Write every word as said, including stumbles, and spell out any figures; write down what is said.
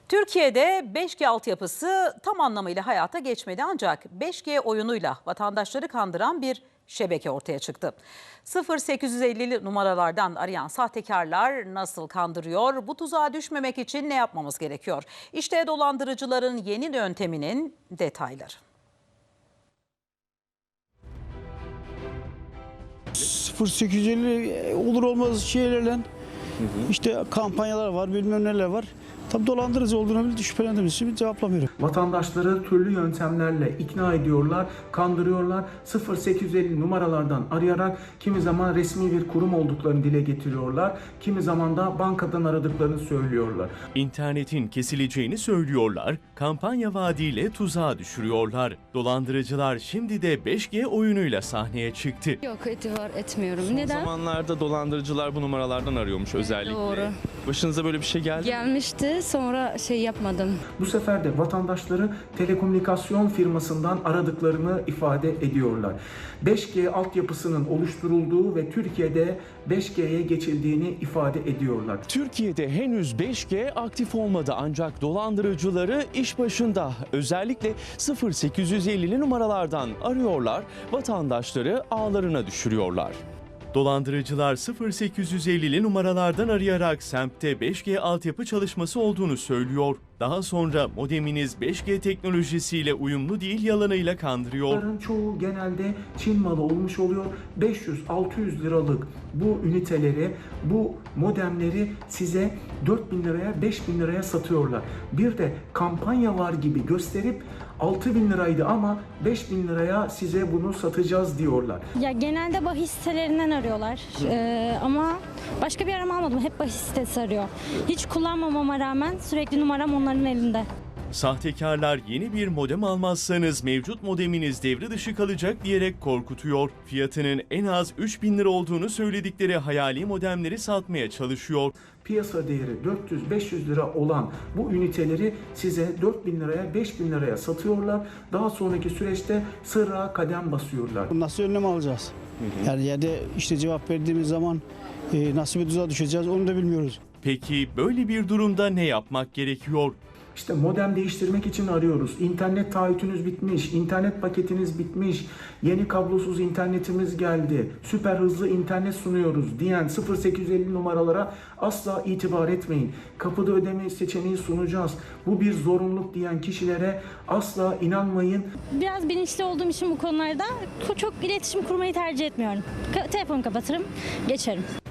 Türkiye'de beş G altyapısı tam anlamıyla hayata geçmedi ancak beş G oyunuyla vatandaşları kandıran bir şebeke ortaya çıktı. sıfır sekiz yüz elli numaralardan arayan sahtekarlar nasıl kandırıyor? Bu tuzağa düşmemek için ne yapmamız gerekiyor? İşte dolandırıcıların yeni yönteminin detayları. sıfır sekiz yüz elli olur olmaz şeylerle hı hı. işte kampanyalar var, bilmem neler var. Tabii dolandırıcı olduğunu bile şüphelendiğimiz için cevaplamıyorum. Vatandaşları türlü yöntemlerle ikna ediyorlar, kandırıyorlar. sıfır sekiz yüz elli numaralardan arayarak kimi zaman resmi bir kurum olduklarını dile getiriyorlar. Kimi zaman da bankadan aradıklarını söylüyorlar. İnternetin kesileceğini söylüyorlar, kampanya vaadiyle tuzağa düşürüyorlar. Dolandırıcılar şimdi de beş G oyunuyla sahneye çıktı. Yok, itibar etmiyorum. Son Neden? zamanlarda dolandırıcılar bu numaralardan arıyormuş özellikle. Doğru. Başınıza böyle bir şey geldi mi? Gelmişti, sonra şey yapmadım. Bu sefer de vatandaşları telekomünikasyon firmasından aradıklarını ifade ediyorlar. beş G altyapısının oluşturulduğu ve Türkiye'de beş G'ye geçildiğini ifade ediyorlar. Türkiye'de henüz beş G aktif olmadı ancak dolandırıcıları iş başında. Özellikle sıfır sekiz yüz ellili numaralardan arıyorlar, vatandaşları ağlarına düşürüyorlar. Dolandırıcılar sıfır sekiz yüz ellili numaralardan arayarak semtte beş G altyapı çalışması olduğunu söylüyor. Daha sonra modeminiz beş G teknolojisiyle uyumlu değil yalanıyla kandırıyor. Bunların çoğu genelde Çin malı olmuş oluyor. beş yüz altı yüz liralık bu üniteleri, bu modemleri size dört bin liraya, beş bin liraya satıyorlar. Bir de kampanya var gibi gösterip altı bin liraydı ama beş bin liraya size bunu satacağız diyorlar. Ya genelde bahis sitelerinden arıyorlar ee, ama başka bir arama almadım. Hep bahis sitesi arıyor. Hiç kullanmamama rağmen sürekli numaram onların elinde. Sahtekarlar yeni bir modem almazsanız mevcut modeminiz devre dışı kalacak diyerek korkutuyor. Fiyatının en az üç bin lira olduğunu söyledikleri hayali modemleri satmaya çalışıyor. Piyasa değeri dört yüz beş yüz lira olan bu üniteleri size dört bin liraya, beş bin liraya satıyorlar. Daha sonraki süreçte sıra kadem basıyorlar. Nasıl önlem alacağız? Hı hı. Yani yerde işte cevap verdiğimiz zaman e, nasıl bir tuzağa düşeceğiz onu da bilmiyoruz. Peki böyle bir durumda ne yapmak gerekiyor? İşte modem değiştirmek için arıyoruz. İnternet taahhütünüz bitmiş, internet paketiniz bitmiş, yeni kablosuz internetimiz geldi, süper hızlı internet sunuyoruz diyen sıfır sekiz yüz elli numaralara asla itibar etmeyin. Kapıda ödeme seçeneği sunacağız. Bu bir zorunluluk diyen kişilere asla inanmayın. Biraz bilinçli olduğum için bu konularda çok iletişim kurmayı tercih etmiyorum. Ka- telefonu kapatırım, geçerim.